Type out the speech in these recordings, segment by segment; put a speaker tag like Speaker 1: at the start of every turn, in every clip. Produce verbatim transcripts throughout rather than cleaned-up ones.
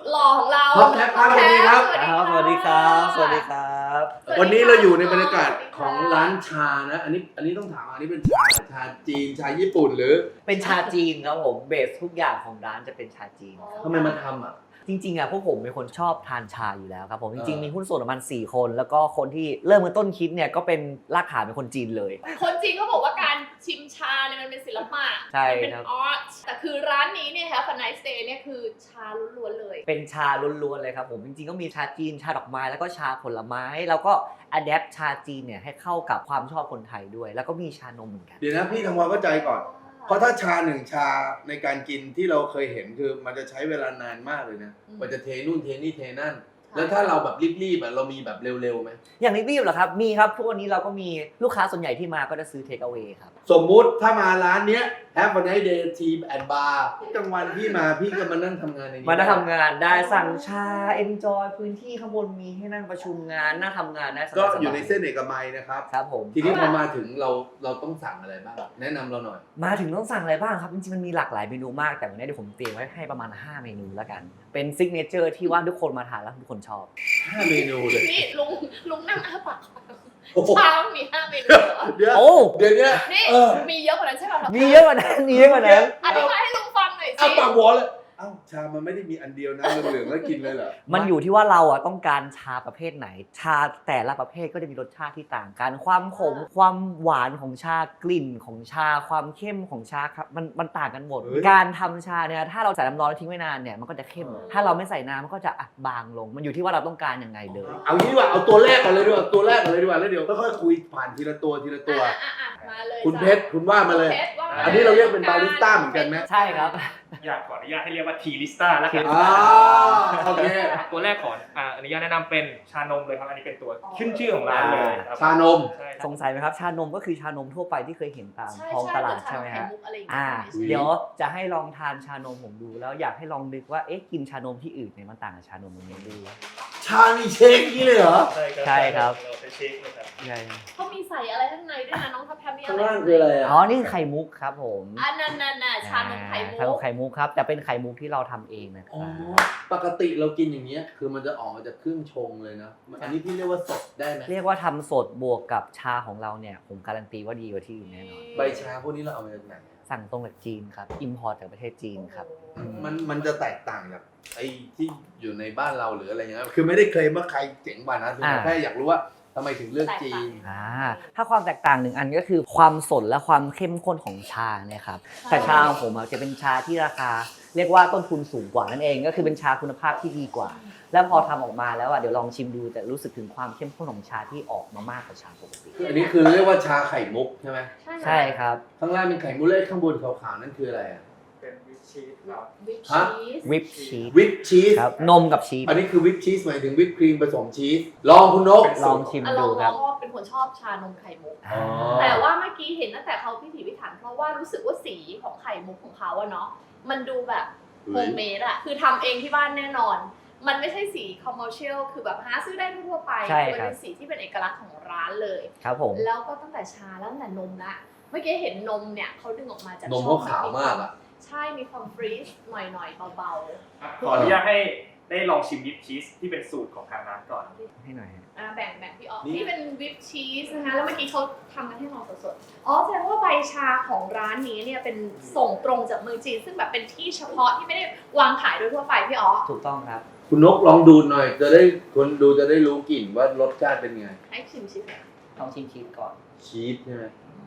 Speaker 1: หล่อของเรา
Speaker 2: ท็อปแท็บครับสวัสดีครับ
Speaker 3: ครับสวัสดีครับสวัสดีครับ
Speaker 2: วันนี้เราอยู่ในบรรยากาศของร้านชานะ อันนี้อันนี้ต้องถามอันนี้เป็นชาชาจีนชาญี่ปุ่นหรือ
Speaker 3: เป็นชาจีนครับผมเบสทุกอย่างของร้านจะเป็นชาจีน
Speaker 2: ทำไมมาทำอ่ะ
Speaker 3: จริงๆอ่ะพวกผมเป็นคนชอบทานชาอยู่แล้วครับผมจริง
Speaker 2: เออ
Speaker 3: ๆมีหุ้นส่วนประมาณสี่คนแล้วก็คนที่เริ่มมาต้นคิดเนี่ยก็เป็นรากฐานเป็นคนจีนเลย
Speaker 1: คนจีนเขาบอกว่าการชิมชาเนี่ยมันเป็นศิลปะ
Speaker 3: ใช่
Speaker 1: มันเป็น
Speaker 3: ครับ
Speaker 1: อาร์ตแต่คือร้านนี้เนี่ยค่ะฟันไนสเตย์เนี่ยคือชาล้วนๆเลย
Speaker 3: เป็นชาล้วนๆเลยครับผมจริงๆก็มีชาจีนชาดอกไม้แล้วก็ชาผลไม้แล้วก็อัดแอปชาจีนเนี่ยให้เข้ากับความชอบคนไทยด้วย แล้วก็มีชานมเหมือนกัน
Speaker 2: เดี๋ยวนะพี่ทำความเข้าใจก่อน เพราะถ้าชาหนึ่งชาในการกินที่เราเคยเห็นคือมันจะใช้เวลานานมากเลยนะ
Speaker 1: อืม
Speaker 2: มันจะเทนู่นเทนี่เทนั่น แล้วถ้าเราแบบรีบๆอ่ะเรามีแบบเร็วๆไหม
Speaker 3: อย่างรีบๆเหรอครับมีครับทุกวันนี้เราก็มีลูกค้าส่วนใหญ่ที่มาก็จะซื้อเทคเอา a y ครับ
Speaker 2: สมมุติถ้ามาร้านเนี้ย Have a nice day team and bar กลางวันพี่มาพี่ก็มานั่งทำงานในนี้
Speaker 3: มานั่งทำงานได้สั่งชา enjoy พื้นที่ข้างบนมีให้นั่งประชุมงานนั่งทำงานได้สบายๆ
Speaker 2: ก็อยู่ในเส้นเอกมัยนะครับ
Speaker 3: ครับผม
Speaker 2: ทีนี้พอมาถึงเราเราต้องสั่งอะไรบ้างแนะนำเราหน่อย
Speaker 3: มาถึงต้องสั่งอะไรบ้างครับจริงๆมันมีหลากหลายเมนูมากแต่วันนี้เดี๋ยวผมเตรียมไว้ให้ประมาณห้าเมนูแล้วกันเป็นซิกเนเจอร์ที่ว่าทุกคนมาทานแล้วทุกคนชอบ
Speaker 2: ห้าเมนูเลย
Speaker 1: นี่ลุงลุงนั่งอ้าปาก
Speaker 2: โอ้โห
Speaker 1: ชามันมีห้าเมนูเหรอ
Speaker 2: เดี๋ยว
Speaker 3: โอ้
Speaker 2: เดี๋ยวเนี้ย
Speaker 1: นี่
Speaker 2: เออ
Speaker 1: มีเยอะกว่านั้นใช่ป่ะ
Speaker 3: มีเยอะกว่านั้นมีเยอะกว่านั้น
Speaker 1: อธิบายให้ลุงฟังหน่อยสิ
Speaker 2: อ้าปากวอเลยเอ้าชามันไม่ได้มีอันเดียวนะเหลืองๆแล้วกินเลยเหรอ
Speaker 3: มันอยู่ที่ว่าเราอ่ะต้องการชาประเภทไหน ชาแต่ละประเภทก็จะมีรสชาติที่ต่างกัน ความขมความหวานของชากลิ่นของชาความเข้มของชาครับมันมันต่างกันหมด การทำชาเนี่ยถ้าเราใส่น้ำร้อนแล้วทิ้งไว้นานเนี่ยมันก็จะเข้ม ถ้าเราไม่ใส่น้ำมันก็จะอ่ะบางลง มันอยู่ที่ว่าเราต้องการยังไงเลย
Speaker 2: เอางี้ดีกว่าเอาตัวแรกก่อนเลยดีกว่าตัวแรกก่อนเลยดีกว่าแล้วเดี๋ยวค่อยๆคุยผ่านทีละตัวทีละตัว
Speaker 1: อ่ะอ่ะอ่ะมาเลย
Speaker 2: คุณเพชรคุณว่ามาเลย
Speaker 1: คุณพชรว่ามา
Speaker 2: อันนี้เราเรียกเป็นบาริสต้าเหมือนกันไหม
Speaker 3: ใช่ครับ
Speaker 4: อยากขออนุญาตให้เรียกว่าทีลิสต้าแล้วกัน
Speaker 2: อ่าโอเค
Speaker 4: ตัวแรกขออ่าอนุญาตแนะนำเป็นชานมเลยครับอันนี้เป็นตัวขึ้นชื่อของร้านเลยครับ
Speaker 2: ชานม
Speaker 4: ใช่ครับ
Speaker 3: สงสัยไหมครับชานมก็คือชานมทั่วไปที่เคยเห็นตาม
Speaker 1: ใช่
Speaker 3: ท้อง
Speaker 1: ใช่
Speaker 3: ตลาด
Speaker 1: เหมือน
Speaker 3: ใช่ไหม
Speaker 1: ชา
Speaker 3: ฮะ
Speaker 1: ไข่มุกอะไรอย่างเงี้
Speaker 3: อ่า
Speaker 1: ย
Speaker 3: เดี๋ยวจะให้ลองทานชานมผมดูแล้วอยากให้ลองนึกว่าเอ๊ะกินชานมที่อื่นเนี่ยมันต่างกับชานมตรงนี้ดู
Speaker 2: ชามีเชคนี่เลยเหรอ
Speaker 4: ใช่ครับ
Speaker 3: ใช่ครับ
Speaker 4: เราไปเช็คเลยครับ
Speaker 3: ใช่
Speaker 1: เขามีใส่อะไรข้างในด้วยนะน้องทัพแพมมีอะ
Speaker 2: ข้าง
Speaker 1: ไร
Speaker 2: ล่างคืออะไร
Speaker 3: อ๋อ
Speaker 2: อ่ะ
Speaker 3: นี่คือไข่มุกครับผม
Speaker 1: อันนั้นน่ะน่ะชานมไข่มุ
Speaker 3: ชานม
Speaker 1: ก
Speaker 3: ไข่มุกครับแต่เป็นไข่มุกที่เราทำเองนะค
Speaker 2: อ๋อ
Speaker 3: รับ
Speaker 2: ปกติเรากินอย่างเงี้ยคือมันจะออกมาจากเครื่องชงเลยนะอันนี้พี่เรียกว่าสดได้ไหม
Speaker 3: เรียกว่าทำสดบวกกับชาของเราเนี่ยผมการันตีว่าดีกว่าที่อื่นแน่นอน
Speaker 2: ใบชาพวกนี้เราเอามาจากไหน
Speaker 3: สั่งตรงจากจีนครับอิมพอร์ตจากประเทศจีนครับ
Speaker 2: มันมันจะแตกต่างจากไอ้ที่อยู่ในบ้านเราหรืออะไรเงี้ยคือไม่ได้เคลมว่าใครเจ๋งกว่านะคือแค่อยากรู้ว่าทำไมถึงเลือกจีน
Speaker 3: อ่าถ้าความแตกต่างหนึ่งอันก็คือความสดและความเข้มข้นของชาเนี่ยครับแต่ชาของผมอะจะเป็นชาที่ราคา เรียกว่าต้นทุนสูงกว่านั่นเองก็คือเป็นชาคุณภาพที่ดีกว่า แล้วพอทำออกมาแล้วอ่ะเดี๋ยวลองชิมดูแต่รู้สึกถึงความเข้มข้นของชาที่ออกมามากกว่าชาปกติ
Speaker 2: อันนี้คือเรียกว่าชาไข่มุกใช่ไหม
Speaker 3: ใช่ครับ
Speaker 2: ข้างล่างเป็นไข่มุกเลยข้างบนขาวๆนั่นคืออะไรอ่ะ
Speaker 4: เป็นวิปชีสครับ
Speaker 1: วิป
Speaker 2: ฮะ
Speaker 1: ชีส
Speaker 3: วิปชีส
Speaker 2: วิปชีส
Speaker 3: ครับนมกับชีส
Speaker 2: อันนี้คือวิปชีสหมายถึงวิปครีมผสมชีสลองคุณนก
Speaker 3: ลองชิม
Speaker 1: อ่ะล
Speaker 3: ดู
Speaker 1: อง
Speaker 3: ค
Speaker 1: ล
Speaker 3: รั
Speaker 1: อบ งว่าเป็นคนชอบชานมไข่มุก
Speaker 3: อ่า
Speaker 1: แต่ว่าเมื่อกี้เห็นตั้งแต่เขาพิถีพิถันเพราะว่ารู้สึกว่าสีของไข่มุกของเขาอะเนาะมันดูแบบโฮมเมดอะคือทำเองที่บ้านแน่นอน มันไม่ใช่สีคอมเมอร์เชียลคือแบบหาซื้อได้ทั่วๆไป
Speaker 3: ใช่
Speaker 1: มั
Speaker 3: ครับ
Speaker 1: เป็นสีที่เป็นเอกลักษณ์ของร้านเลย
Speaker 3: ครับผม
Speaker 1: แล้วก็ตั้งแต่ชาแล้วตั้งแต่นมละเมื่อกี้เห็นนมเนี่ยเขาดึงออกมาจาก
Speaker 2: นม
Speaker 1: ช่อง
Speaker 2: เขาขาวมากอ่ะ
Speaker 1: ใช่มีความฟรีชหน่อยๆเบา
Speaker 4: ขออนุญาตให้ได้ลองชิมวิปชีสที่เป็นสูตรของทางร้านก่อน
Speaker 3: ให้หน่อยฮะ
Speaker 1: ๆอ่ะแบ่งแบ่งพี่ออก
Speaker 2: นี่
Speaker 1: นี่เป็นวิปชีสนะคะแล้วเมื่อกี้เขาทำกันให้เราสดๆอ๋อแสดงว่าใบชาของร้านนี้เนี่ยเป็นส่งตรงจากเมืองจีนซึ่งแบบเป็นที่เฉพาะที่ไม่ได้วางขายโดยทั่วไปพี่อ๋อ
Speaker 3: ถูกต้องครับ
Speaker 2: คุณนกลองดูหน่อย จะได้คนดูจะได้รู้กลิ่นว่ารสชาติเป็นไง
Speaker 1: ให้ชิมชิม
Speaker 3: ลองชิมชีสก่อน
Speaker 2: ชีสใช่ไหม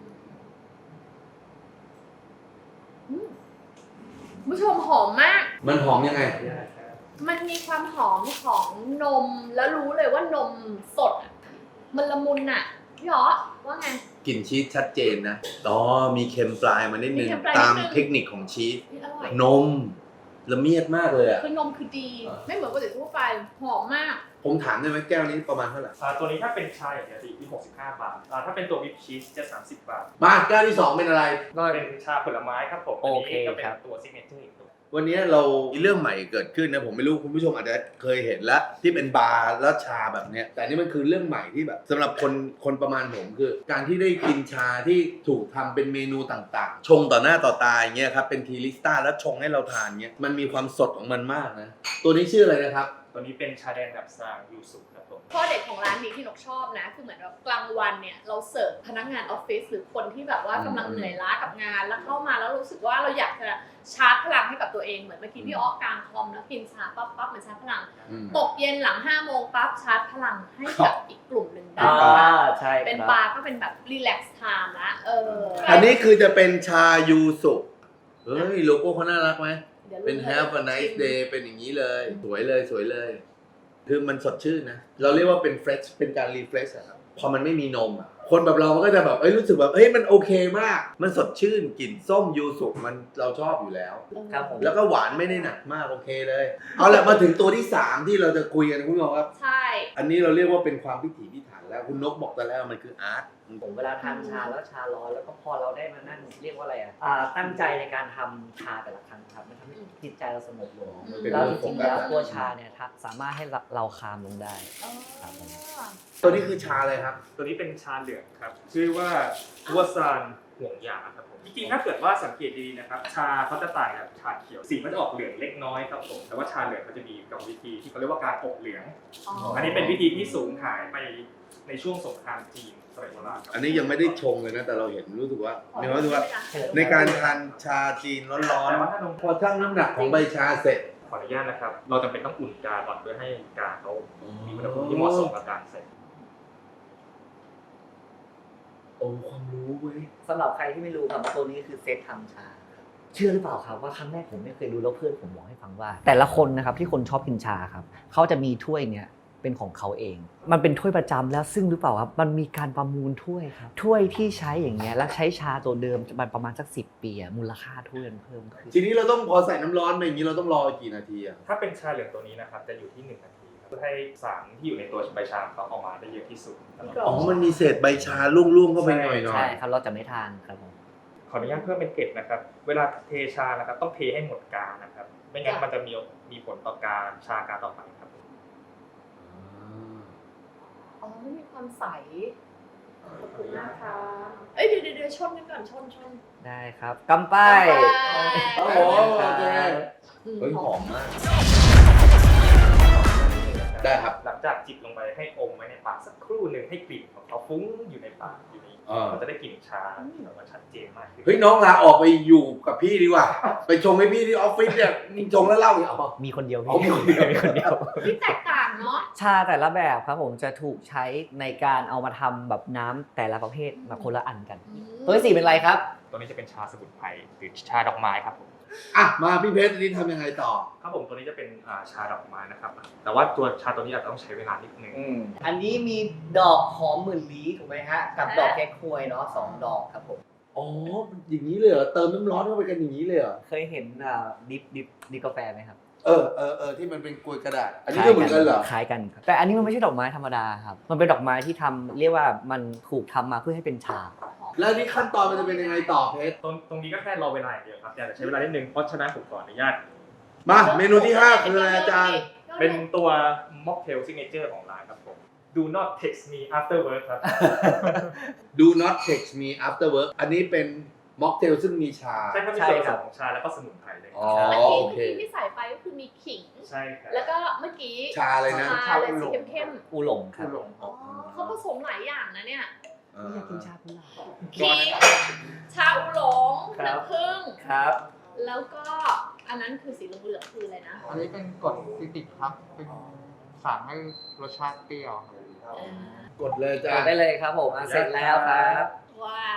Speaker 1: อืมคุณผู้ชมหอมมาก
Speaker 2: มันหอมยังไง
Speaker 1: มันมีความหอมของนมแล้วรู้เลยว่านมสดอะมันละมุนอะพี่อ๋อว่าไง
Speaker 2: กลิ่นชีสชัดเจนนะอ๋อมีเค็มปลายมานิดนึง
Speaker 1: มีเค็มปลายนิดนึง
Speaker 2: ตามเทคนิคของชีส
Speaker 1: นี่อร่อย
Speaker 2: นมละเมียดมากเลยอ่ะ
Speaker 1: คือนมคือดี
Speaker 2: อ่า
Speaker 1: ไม่เหมือนปกติทั่วไปหอมมาก
Speaker 2: ผมถามได้ไหมแก้วนี้ประมาณเท่าไหร่
Speaker 4: อ่าตัวนี้ถ้าเป็นชาอย่างเดียวจะอยู่ที่หกสิบห้าบาทอ่าถ้าเป็นตัววิปชีสจะสามสิบบาท
Speaker 2: มาแก้วที่สองเป็นอะไร
Speaker 3: ก็
Speaker 4: เป็นชาผลไม้ครับผม
Speaker 3: โอเค
Speaker 4: อันนี้ก็เป็น
Speaker 3: ครับ
Speaker 4: ตัวซิกเนเจอร์อีกตัว
Speaker 2: วันนี้เรามีเรื่องใหม่เกิดขึ้นนะผมไม่รู้คุณผู้ชมอาจจะเคยเห็นแล้วที่เป็นบาร์แล้วชาแบบเนี้ยแต่นี่มันคือเรื่องใหม่ที่แบบสำหรับคนคนประมาณผมคือ การที่ได้กินชาที่ถูกทำเป็นเมนูต่างๆ ชงต่อหน้าต่อตาอย่างเงี้ยครับเป็นทีลิสต้าแล้วชงให้เราทานเงี้ยมันมีความสดของมันมากนะตัวนี้ชื่ออะไรนะครับ
Speaker 4: ตัวนี้เป็นชาแดงแบบซางยูสุครับผม
Speaker 1: ข้อเด็ดของร้านนี้ที่นกชอบนะคือเหมือนแบบกลางวันเนี่ยเราเสิร์ฟพนักงานออฟฟิศหรือคนที่แบบว่ากำลังเหนื่อยล้ากับงาน แล้วเข้ามาแล้วรู้สึกว่าเราอยากจะชาร์จพลังให้กับตัวเองเหมือนเมื่อกี้พี่อ้อกลางคอมแล้วกินชาปั๊บปั๊บเหมือนชาร์จพลัง
Speaker 2: อืม
Speaker 1: ตกเย็นหลังห้าโมงปั๊บชาร์จพลังให้กับอีกกลุ่มหนึ่งได้
Speaker 3: อ่าใช่
Speaker 1: เป็น
Speaker 3: ครับ
Speaker 1: บาร์ก็เป็นแบบรีแลกซ์ไทม์ละเออ
Speaker 2: อันนี้คือจะเป็นชายูสุเฮ้ยโลโก้เขาน่ารักไหม
Speaker 1: ดี๋ยว
Speaker 2: เป็น Have a nice day เป็นอย่างนี้เลย สวยเลยสวยเลย คือมันสดชื่นนะ เราเรียกว่าเป็น fresh เป็นการ refresh อะครับพอมันไม่มีนมอะคนแบบเรามันก็จะแบบเอ้ยรู้สึกแบบเฮ้ยมันโอเคมาก มันสดชื่นกลิ่นส้มยูสุมันเราชอบอยู่แล้ว
Speaker 3: ครับผม
Speaker 2: แล้วก็หวานไม่ได้หนักมากโอเคเลย เอาละมาถึงตัวที่สามที่เราจะคุยกันคุณผู้ชมครับ
Speaker 1: ใช่
Speaker 2: อันนี้เราเรียกว่าเป็นความพิถีพิถันแล้วคุณนกบอกแต่แล้วมันคืออาร์ต
Speaker 3: ผมเวลาทานชาแล้วชาร้อนแล้วก็พอเราได้มานั่งเรียกว่าอะไรอ่ะอ่าตั้งใจในการทำชาแต่ละครั้งครับมันทำให้จิตใจเราสงบลง
Speaker 2: มันเป็น
Speaker 3: แล้ว
Speaker 2: เรื่
Speaker 3: จ
Speaker 2: องขอ
Speaker 3: ริ
Speaker 2: ง
Speaker 3: งๆ
Speaker 2: การ
Speaker 3: แล้วตัวชาเนี่ยครับสามารถให้เราเราคามลงได้
Speaker 1: อ๋อ
Speaker 3: ครับผม
Speaker 2: ตัวนี้คือชาอะไรครับ
Speaker 4: ตัวนี้เป็นชาเหลืองครับ ชื่อว่าวัวซานห่วงยาครับผมจริงๆถ้าเกิดว่าสังเกตดีๆนะครับชาเขาจะต่างกับชาเขียวสีมันจะออกเหลืองเล็กน้อยครับผมแต่ว่าชาเหลืองเขาจะมีกรรมวิธีที่เขาเรียกว่าการอบเหลือง
Speaker 1: อ๋อ
Speaker 4: อันนี้เป็นวิธีที่สูญหายไปในช่วงสงครามจีนสมัยโบราณครับ
Speaker 2: อันนี้ยังไม่ได้ชงเลยนะแต่เราเห็นรู้สึกว่ามีความรู้สึกว่า ในการทานชาจีนร้อน
Speaker 4: แต่ว่าถ้านม
Speaker 2: ๆพอชั่งน้ำหนักของใบชาเสร็จ
Speaker 4: ขออนุญาตนะครับ เราจำเป็นต้องอุ่นกาก่อนเพื่อให้กาเขามีอุณหภูมิที่เหมาะสมกับการใส่
Speaker 2: โอ้ความรู้เว้ย
Speaker 3: สำหรับใครที่ไม่รู้ครับตัวนี้คือเซตทำชาครับเชื่อหรือเปล่าครับว่าครั้งแรกผมไม่เคยรู้แล้วเพื่อนผมบอกให้ฟังว่า แต่ละคนนะครับที่คนชอบกินชาครับเขาจะมีถ้วยเนี้ยเป็นของเขาเอง มันเป็นถ้วยประจำแล้วซึ่งหรือเปล่าครับมันมีการประมูลถ้วยครับถ้วยที่ใช้อย่างเงี้ยแล้วใช้ชาตัวเดิมมันประมาณสักสิบปีอะมูลค่าถ้วยมันเพิ่มขึ้น
Speaker 2: ทีนี้เราต้องพอใส่น้ำร้อนไปอย่างนี้เราต้องรอกี่นาทีอะ
Speaker 4: ถ้าเป็นชาเหลืองตัวนี้นะครับจะอยู่ที่หนึ่งนาทีครับเพื่อให้สารที่อยู่ในตัวใบชาของเขาออกมาได้เยอะที่สุดครับ
Speaker 2: อ๋อมันมีเศษใบชาล่วงๆเข้าไปหน่อย
Speaker 3: ใช่ครับเราจะไม่ทานครับผม
Speaker 4: ขออนุญาตเพิ่มเป็นเกล็ดนะครับ เวลาเทชานะครับต้องเทให้หมดกานะครับ ไม่งั้นมันจะมีมีผลต่อการชากาต่อไปครับ
Speaker 1: อ๋อไม่มีความใสขอบคุณนะคะเอ้ยเดี๋ยวเดี๋ยวชนกันก่อนชนชน
Speaker 3: ได้ครับกำป้าย
Speaker 2: โอ้โหโอเคเฮ้ยหอมมาก ได้ครับ
Speaker 4: หลังจากจิบลงไปให้อมไว้ในปากสักครู่หนึ่งให้กลิ่นของเขาฟุ้งอยู่ในปากอยู่ใน
Speaker 2: อ่า
Speaker 4: มันจะได้กลิ่นชาที่แบบว่าชัดเจนมากขึ้น
Speaker 2: เฮ้ยน้องลาออกไปอยู่กับพี่ดีกว่า ไปชงให้พี่ที่ออฟฟิศเนี่ยนี่ชงแล้วเล่าอีกอ๋อ
Speaker 3: มีคนเดียว
Speaker 2: อ๋อมีคนเดียว
Speaker 3: มีคนเดียว
Speaker 1: ที่แตกต่างเนาะ
Speaker 3: ชาแต่ละแบบครับผมจะถูกใช้ในการเอามาทำแบบน้ำแต่ละประเภทมาคนละอันกัน ตัวที่สี่เป็นอะไรครับ
Speaker 4: ตัวนี้จะเป็นชาสมุนไพรหรือชาดอกไม้ครับผม
Speaker 2: อ่ะมาพี่เพชรนี่ทำยังไงต่อ
Speaker 4: ครับผมตัวนี้จะเป็นอ่าชาดอกไม้นะครับ แต่ว่าตัวชาตัวนี้อาจจะต้องใช้เวลานิดนึง
Speaker 3: อันนี้มีดอกหอมหมื่นลี้ถูกไหมฮะ กับดอกแก้ควยเนาะสองดอกครับผม
Speaker 2: อ๋ออย่างนี้เลยเหรอเติมน้ำร้อนเข้าไปกันอย่างนี้เลยเหรอ
Speaker 3: เคยเห็นอ่าดิฟดิฟดิฟกาแฟไหมครับ
Speaker 2: เออเออเออที่มันเป็นกลวยกระดาษ อันนี้ก็เหมือนกันเหรอ
Speaker 3: คล้ายกันครับแต่อันนี้มันไม่ใช่ดอกไม้ธรรมดาครับ มันเป็นดอกไม้ที่ทำเรียกว่ามันถูกทำมาเพื่อให้เป็นชา
Speaker 2: แล้วนี่ขั้นตอนมันจะเป็นยังไงต่อเพชร
Speaker 4: ตรงตรงนี้ก็แค่รอเวลาอย่างเดียวครับแต่จะใช้เวลานิดนึงเพราะฉะนั้นผมขออนุญาต
Speaker 2: มาเมนูที่ห้าคืออะไรอาจารย์
Speaker 4: เป็นตัวม็อกเทลซิกเนเจอร์ของร้านครับผม Do not text me after work ครับ
Speaker 2: Do not text me after work อันนี้เป็นม็อกเทลซึ่งมีชา
Speaker 4: ใช่ครับมีส่วนผสมของชาแล้วก็สมุนไพรเลย
Speaker 2: อ๋อ
Speaker 1: เมื่อ
Speaker 2: โอ
Speaker 1: กี้
Speaker 2: เค
Speaker 1: เมื่อกี้ที่ใส่ไปก็คือมีขิง
Speaker 4: ใช่ครับ
Speaker 1: แล้วก็เมื่อกี้
Speaker 2: ชาอะไรนะ
Speaker 1: ชาอะไรสีเข้ม
Speaker 3: อูหลงครับ
Speaker 1: ๆอ๋อเขาผสมหลายอย่างนะเนี่ย
Speaker 2: เอ
Speaker 3: ไม่
Speaker 2: อ
Speaker 3: อยากกินชากุหลาบ
Speaker 1: ขิงชาอูหลง
Speaker 3: ครับ
Speaker 1: น้ำผึ้ง
Speaker 3: ครับ
Speaker 1: แล้วก็อันนั้นคือสีเหลืองๆคืออะไรนะ
Speaker 5: อันนี้เป็นกรดซิตริกครับ เป็นสารให้รสชาติเปรี้ยวครับ
Speaker 1: เออก
Speaker 2: ดเลยอาจารย์
Speaker 3: ได้เลยครับผมอ่ะเสร็จแล้วครับ
Speaker 1: ว้าว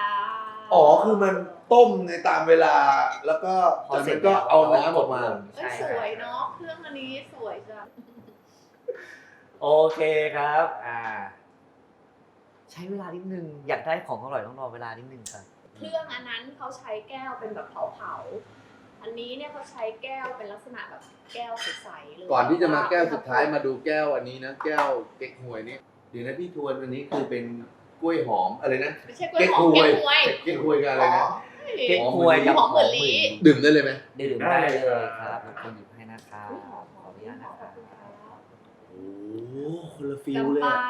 Speaker 2: อ๋อคือมันต้มในตามเวลา แล้วก็จากนั้นก็เอาน้ำออกมา
Speaker 1: เอ้ยสวยเนาะเครื่องอันนี้สวยจัง
Speaker 3: โอเคครับ อ่า ใช้เวลานิดนึง อยากได้ของอร่อยต้องรอเวลานิดนึงครับ
Speaker 1: เครื่องอันนั้นเขาใช้แก้วเป็นแบบเผาๆอันนี้เนี่ยเขาใช้แก้วเป็นลักษณะแบบแก้วใสๆเลย
Speaker 2: ก่อนที่จะมาแก้วสุดท้ายมาดูแก้วอันนี้นะ แก้วเก๊กฮวยนี่เดี๋ยวนะพี่ทวนอันนี้คือเป็นกล้วยหอมอะไรนะ
Speaker 1: ไม่ใช่กล้วยหอมแก้วหวย
Speaker 2: เก๊กฮวยกับอะไรนะ
Speaker 1: ก
Speaker 3: เก๊กฮวยกับ
Speaker 1: หอมเหมือนลี
Speaker 2: ดื่มได้เลยไหม
Speaker 3: ดื่มได้เลยครับผมคนหยิบให้นะครับขออนุญาตนะครับ
Speaker 2: โอ้โหคนละฟิล
Speaker 1: กำ
Speaker 2: เลย
Speaker 1: ไป
Speaker 2: อะ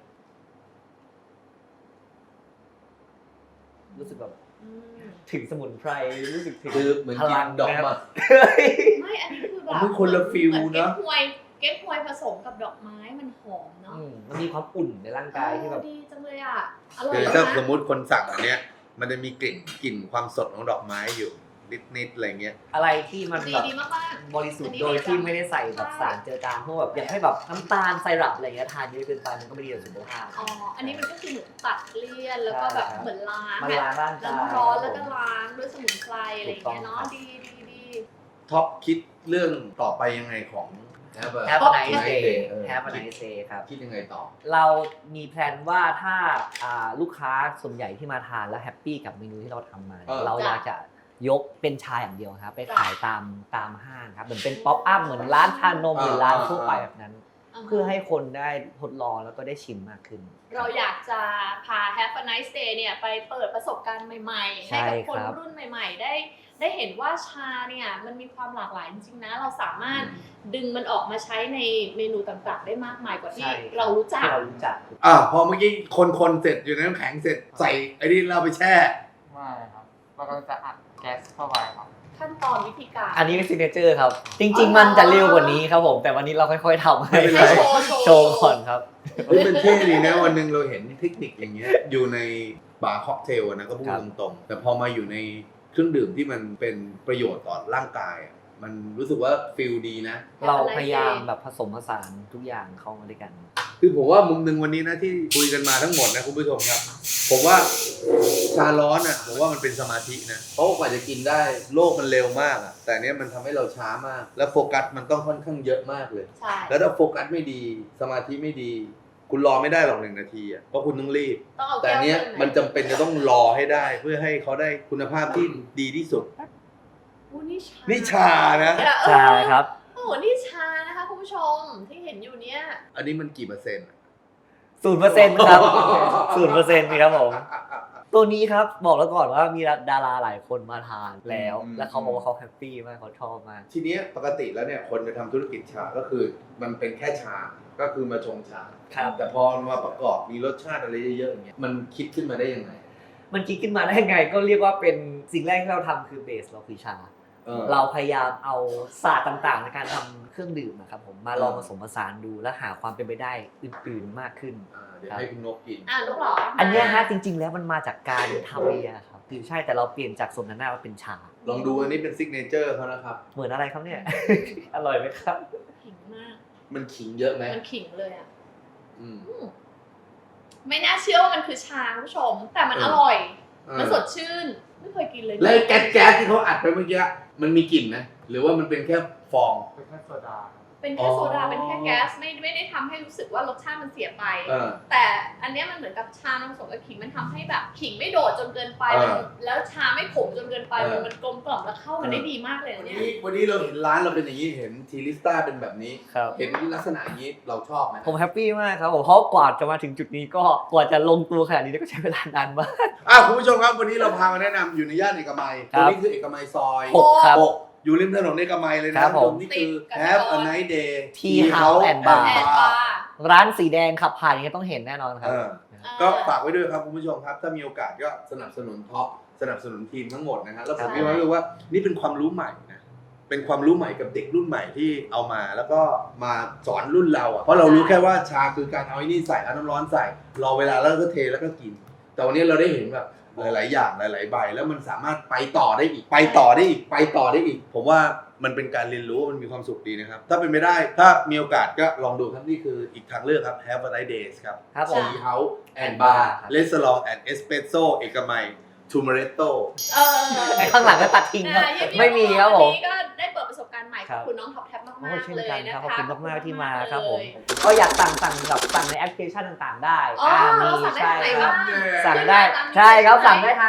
Speaker 3: รู้สึกแบบ
Speaker 1: อืม
Speaker 3: ถึงสมุนไพรรู้สึกถึง
Speaker 2: คือเหมือน
Speaker 3: พ
Speaker 2: กิ
Speaker 3: ลั
Speaker 2: น
Speaker 3: ง
Speaker 2: ดอก
Speaker 3: นะครับ
Speaker 2: ไม้
Speaker 1: ไม่อันนี้คือแบบ
Speaker 2: มันคนละฟิล
Speaker 1: เหมือนเก๊
Speaker 2: เน
Speaker 1: ก
Speaker 2: อะ
Speaker 1: ฮวยเก๊กฮวยผสมกับดอกไม้มันหอมเนาะ
Speaker 3: อืมมันมีความอุ่นในร่างกายที่แบบ
Speaker 1: เออดีจังเลยอ่ะอร่อย
Speaker 2: คือ
Speaker 1: นะ
Speaker 2: ถ้าสมมติคนสั่งอันเนี้ย มันจะมีกลิ่นกลิ่นความสดของดอกไม้อยู่นิดๆอะไรเงี้ย
Speaker 3: อะไรที่มัน
Speaker 1: ดี
Speaker 3: แบบ
Speaker 1: ดีมากๆ
Speaker 3: บริสุท
Speaker 1: อัน
Speaker 3: ธิ์
Speaker 1: นี้
Speaker 3: โดยที่
Speaker 1: ดีจัง
Speaker 3: ไม่ได้ใส่แบบสารเจือจางพวกแบบอย่างให้แบบน้ำตาลไซรัปอะไรเงี้ยทานเยอะเกินไปมันก็ไม่ดีต่อสุขภาพ
Speaker 1: อ๋อ อันนี้มันก็คือเหมือนตัดเลี่ยนแล้วก็แบบ
Speaker 3: ใช่ครับ
Speaker 1: เหมือนล้าง
Speaker 3: มันล้างร่างกาย
Speaker 1: น้ำร้อนแล้วก็ล้างด้วยสมุนไพรอะไรอย่างเงี้ย
Speaker 3: ถูกต้อ
Speaker 1: เนาะ
Speaker 3: งครับ
Speaker 1: ดีดีดี
Speaker 2: ท็อปคิดเรื่องต่อไปยังไงของ Have a
Speaker 3: แฮป
Speaker 2: Nice
Speaker 3: ไน
Speaker 2: Day
Speaker 3: เดย์
Speaker 2: เออ
Speaker 3: แฮปไนเดย์ครับ
Speaker 2: คิดยังไงต่อ
Speaker 3: เรามีแพลนว่าถ้าอ่าลูกค้าส่วนใหญ่ที่มาทานแล้วแฮปปี้กับเมนูที่เราทำมา
Speaker 2: เออ
Speaker 3: เราอยากจะยกเป็นชาอย่างเดียวครับ ไปขายตามตามห้างครับเหมือนเป็นป๊อปอัพเหมือนร้านชานมหรือร้านทั่วไปแบบนั้น เพื่อให้คนได้ทดลองแล้วก็ได้ชิมมากขึ้น
Speaker 1: เราอยากจะพา Have a Nice Day เนี่ยไปเปิดประสบการณ์ใหม่ๆ
Speaker 3: ใช่
Speaker 1: ให้กับคน
Speaker 3: ครับ
Speaker 1: รุ่นใหม่ ๆ ได้ได้เห็นว่าชาเนี่ยมันมีความหลากหลายจริงๆนะ เราสามารถดึงมันออกมาใช้ในเมนูต่างๆ ได้มากมายกว่าที่
Speaker 3: ใช่
Speaker 1: เรารู้จัก
Speaker 3: ที่เรารู้จัก
Speaker 2: อ่าพอเมื่อกี้คนๆเสร็จอยู่ในน้ำแข็งเสร็จใส่ไอ้นี่เราไปแช่
Speaker 5: ไม่ครับเราก็จะอัดแก๊สเข้าไปครับ
Speaker 1: ขั้นตอนวิธีการ
Speaker 3: อันนี้เป็นซิกเนเจอร์ครับ จริง ๆ มันจะเร็วกว่านี้ครับผม แต่วันนี้เราค่อยๆทำให้
Speaker 2: ไม่เป็นไร
Speaker 1: ให้โชว์โชว์
Speaker 3: โชว์ก่อนครับ
Speaker 2: เฮ้ยเป็นเท่ดีนะวันหนึ่งเราเห็นเทคนิคอย่างเงี้ยอยู่ในบาร์ค็อกเทลอะนะก็พูด
Speaker 3: ครับ
Speaker 2: ตรงๆแต่พอมาอยู่ในเครื่องดื่มที่มันเป็นประโยชน์ต่อร่างกายอะมันรู้สึกว่าฟิลดีนะ
Speaker 3: เราพยายามแบบผสมผสานทุกอย่างเข้ามาด้วยกัน
Speaker 2: คือผมว่ามุมหนึ่งวันนี้นะที่คุยกันมาทั้งหมดนะคุณผู้ชมครับ ผมว่าชาร้อนอ่ะผมว่ามันเป็นสมาธินะเพราะกว่าจะกินได้โลกมันเร็วมากอ่ะแต่เนี้ยมันทำให้เราช้ามาก แล้วโฟกัสมันต้องค่อนข้างเยอะมากเลย
Speaker 1: ใช่
Speaker 2: แล้วถ้าโฟกัสไม่ดีสมาธิไม่ดี คุณรอไม่ได้หรอกหนึ่งนาทีอ่ะเพราะคุณต้องรีบ
Speaker 1: ต้องเอา
Speaker 2: แต่
Speaker 1: แก้ว
Speaker 2: เนี้ย
Speaker 1: ขึ้นไห
Speaker 2: มันจำเป็นจะต้องรอให้ได้ เพื่อให้เขาได้คุณภาพที่ดีที่สุด
Speaker 1: อู้นี่ชา
Speaker 2: นี่ชานะ
Speaker 1: เออ
Speaker 3: ใช่ครับ
Speaker 1: โอ้โหนี่ชานะคะคุณผู้ชมที่เห็นอยู่เนี่ย
Speaker 2: อันนี้มันกี่เปอร์เซ็นต์อะ
Speaker 3: ศูนย์เปอร์เซ็นต์ครับศูนย์เปอร์เซ็นต์ครับผม ตัวนี้ครับบอกแล้วก่อนว่ามีดาราหลายคนมาทานแล้ว
Speaker 2: อืม
Speaker 3: แล้วเขาบอกว่าเขาแฮปปี้มากเขาชอบมาก
Speaker 2: ทีเนี้ยปกติแล้วเนี่ยคนจะทำธุรกิจชาก็คือมันเป็นแค่ชา ก็คือมาชงชา
Speaker 3: ครับ
Speaker 2: แต่พอมาประกอบมีรสชาติอะไรเยอะๆอย่างเงี้ยมันคิดขึ้นมาได้ยังไง
Speaker 3: มันคิดขึ้นมาได้ไงก็เรียกว่าเป็นสิ่งแรกที่เราทำคือเบสเราคือชา
Speaker 2: เออ
Speaker 3: เราพยายามเอาศาสตร์ต่างๆ ในการทำเครื่องดื่มนะครับผมมาลอง
Speaker 2: เอ
Speaker 3: ผ
Speaker 2: อ
Speaker 3: สมผสานดูและหาความเป็นไปได้อื่นๆมากขึ้น
Speaker 2: อ่าเดี๋ยวให้คุณนกกิน
Speaker 1: อ่ะลูกเหรอ
Speaker 3: อั
Speaker 1: อั
Speaker 3: นเนี้ยฮะจริง ๆ แล้วมันมาจากการทำเบียร์ครับคือใช่แต่เราเปลี่ยนจากโซนาน่ามาเป็นชา
Speaker 2: ลองดูอันนี้เป็นซิกเนเจอร์เขานะครับ
Speaker 3: เหมือนอะไรครับเนี่ย อร่อยไหมครับ
Speaker 1: ขิงมาก
Speaker 2: มันขิงเยอะไหม
Speaker 1: มันขิงเลยอ่ะ
Speaker 2: อืม
Speaker 1: อืมไม่น่าเชื่อว่ามันคือชาคุณผู้ชม แต่มัน
Speaker 2: เอ
Speaker 1: อ
Speaker 2: อ
Speaker 1: ร่อย
Speaker 2: เออ
Speaker 1: มันสดชื่น ไม่เคยกินเลย
Speaker 2: แล้วไอ้แก๊สแก๊สที่เขาอัดไปเมื่อกี้มันมีกลิ่นไหมหรือว่ามันเป็นแค่ฟอง
Speaker 5: เป็นแค่โซดาครับ
Speaker 1: เป็นแค่โซดา
Speaker 2: อ๋อ
Speaker 1: เป็นแค่แก๊สไม่ไม่ได้ทำให้รู้สึกว่ารสชาติมันเสียไป
Speaker 2: เออ
Speaker 1: แต่อันเนี้ยมันเหมือนกับชานมผสมกับขิงมันทำให้แบบขิงไม่โดดจนเกินไป
Speaker 2: เออ
Speaker 1: มันแล้วชาไม่ขมจนเกินไป
Speaker 2: เออ
Speaker 1: มันมันกลมกล่อมแล้วเข้ากัน
Speaker 2: เออ
Speaker 1: ได้ดีมากเลย
Speaker 2: วัน
Speaker 1: นะเนี่ย
Speaker 2: นี้วันนี้เราเห็นร้านเราเป็นอย่างนี้เห็นทีลิสต้าเป็นแบบนี้
Speaker 3: ครับ
Speaker 2: เห็นลักษณะอย่างนี้เราชอบไหม
Speaker 3: ผมแฮปปี้มากครับผมเพราะกว่าจะมาถึงจุดนี้ก็กว่าจะลงตัวขนาดนี้ก็ใช้เวลานานมาก
Speaker 2: อ่ะคุณผู้ชมครับวันนี้เราพามาแนะนำอยู่ในย่านเอกมัย
Speaker 3: ค
Speaker 2: ต
Speaker 3: รั
Speaker 2: รง
Speaker 3: บ
Speaker 2: นี้คือเอกมัยซอย
Speaker 3: หกครับ
Speaker 2: หกอยู่ริมถนนเอกมัยเลยนะครับ
Speaker 3: ผม
Speaker 2: นี่คือ Have a Nice Day
Speaker 3: Tea House and Bar
Speaker 1: แอนบาร์
Speaker 3: ร้านสีแดงขับผ่านอย่างนี้ยต้องเห็นแน่นอนครับ
Speaker 2: เออ ก็ฝากไว้ด้วยครับคุณผู้ชมครับ ถ้ามีโอกาสก็สนับสนุนท็อปสนับสนุนทีมทั้งหมดนะฮะแล้วผม
Speaker 3: ใช่
Speaker 2: มีความรู้สึกว่านี่เป็นความรู้ใหม่นะเป็นความรู้ใหม่กับเด็กรุ่นใหม่ที่เอามา แล้วก็มาสอนรุ่นเราอ่ะเพราะเรารู้แค่ว่าชาคือการเอาไอ้นี่ใส่เอาน้ำร้อนใส่รอเวลาแล้วก็เทแล้วก็กิน แต่วันนี้เราได้เห็นแบบหลาย ๆ อย่างหลาย ๆ ใบแล้วมันสามารถไปต่อได้อีกไปต่อได้อีกไปต่อได้อีก ผมว่ามันเป็นการเรียนรู้มันมีความสุขดีนะครับถ้าเป็นไปได้ถ้ามีโอกาสก็ลองดูครับนี่คืออีกทางเลือกครับ Have a Nice Days ครับ
Speaker 3: ครับผม
Speaker 2: Tea House and Bar Restaurant and Espresso เอกมัย Tumaretto
Speaker 1: เออ
Speaker 3: ไอ้ข้างหลังก็ตัดทิ้งครับ
Speaker 1: อ่ะยินดี
Speaker 3: ไม่มีครับผม
Speaker 1: วันนี้ก็ได้เปิดประสบการณ์ใหม่
Speaker 3: ครั
Speaker 1: ขอบบ คุณน้องท็อปแท็บมาก
Speaker 3: โอ้
Speaker 1: ๆ
Speaker 3: เช่น
Speaker 1: เลย
Speaker 3: กัน
Speaker 1: นะ
Speaker 3: ค
Speaker 1: คะ
Speaker 3: รับขอบคุณมากๆที่มาครับผม
Speaker 1: เลย
Speaker 3: ก็อยากสั่งสั่งแบบสั่งในแอปพลิเคชันต่างๆ ได้
Speaker 1: อ๋อ
Speaker 3: มี
Speaker 1: เราสั่งได้
Speaker 3: ใช่
Speaker 1: ทางไหน
Speaker 3: ครับ
Speaker 1: บ้าง
Speaker 3: สั่งได้
Speaker 1: ขึ้นมาตามนี้
Speaker 3: ใช่ครับ
Speaker 1: ใช่ไหม
Speaker 3: สั่งได้ทาง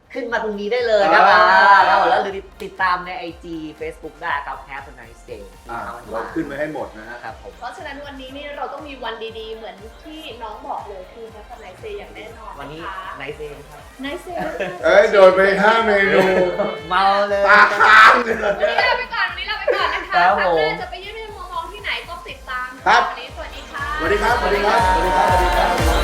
Speaker 3: ขึ้นมาตรงนี้ได้เลยครับ
Speaker 2: อ่า
Speaker 3: อ่าแล้วแล้วหรือติดตามใน ไอ จี Facebook ได้ครับ Have a nice day
Speaker 2: อ่ะเราขึ้นไว้ให้หมดนะฮะ
Speaker 3: ครับผม
Speaker 1: เพราะฉะนั้นวันนี้นี่เราต้องมีวันดีๆ เหมือนที่น้องบอกเลยคือแฮปปี้ไนท์เซย์อย่างแน่นอน
Speaker 3: วันนี้
Speaker 1: นะคะ
Speaker 3: nice day ครับ
Speaker 1: ไนท์เซย์
Speaker 2: เอ้ย โดนไปห้าเมนู
Speaker 3: เมาเลย
Speaker 2: ปากค้างเลย
Speaker 1: วันนี้ลาไปก่อนวันนี้ลาไปก่อนนะคะ
Speaker 3: ครั
Speaker 1: ค
Speaker 3: บ
Speaker 1: รั้ง
Speaker 3: ผม
Speaker 1: หน้าจะไปเยี่ยมเยี่ยมมองๆที่ไหนก็ติดตาม
Speaker 2: ครับ
Speaker 1: วันนี้สวัสดีค่ะ
Speaker 2: สวัสดีครับ สวัสดีครับ สวัสดีครับ สวัสดีครับ